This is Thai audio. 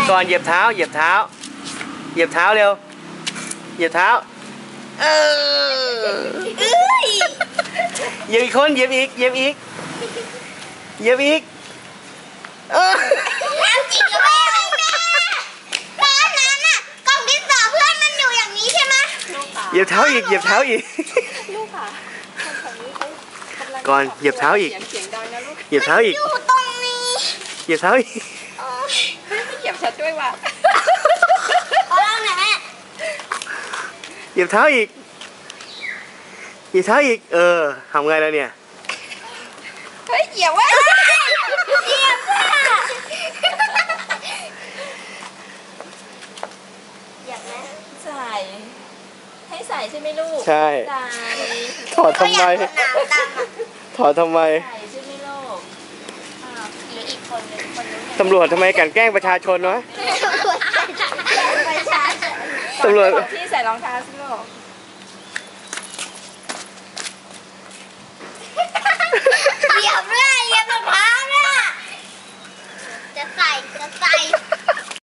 ก่อนเหยียบเท้าเหยียบเท้าเหยียบเท้าเร็วเหยียบเท้าเหยียบอีกคนเหยียบอีกเหยียบอีกเหยียบอีกแล้วจริงหรือไม่แม่ตอนนั้นน่ะกล่องดินสอเพื่อนมันอยู่อย่างนี้ใช่ไหมเหยียบเท้าอีกเหยียบเท้าอีกลูกค่ะก่อนเหยียบเท้าอีกเหยียบเท้าอีกอยู่ตรงนี้เหยียบเท้าอีกไม่เหยียบฉันด้วยว่ะเอาแล้วไหนแม่เหยียบเท้าอีกเหยียบเท้าอีกทำไงแล้วเนี่ยเฮ้ยเหยียบไว้เหยียบว่ะเหยียบไหมใส่ให้ใส่ใช่ไหมลูกใช่ใส่ถอดทำไมถอดทำไมใส่ใช่ไหมลูกหรืออีกคนนึงตำรวจทำไมกันแกล้งประชาชนวะตำรวจที่ใส่รองเท้าสิลูก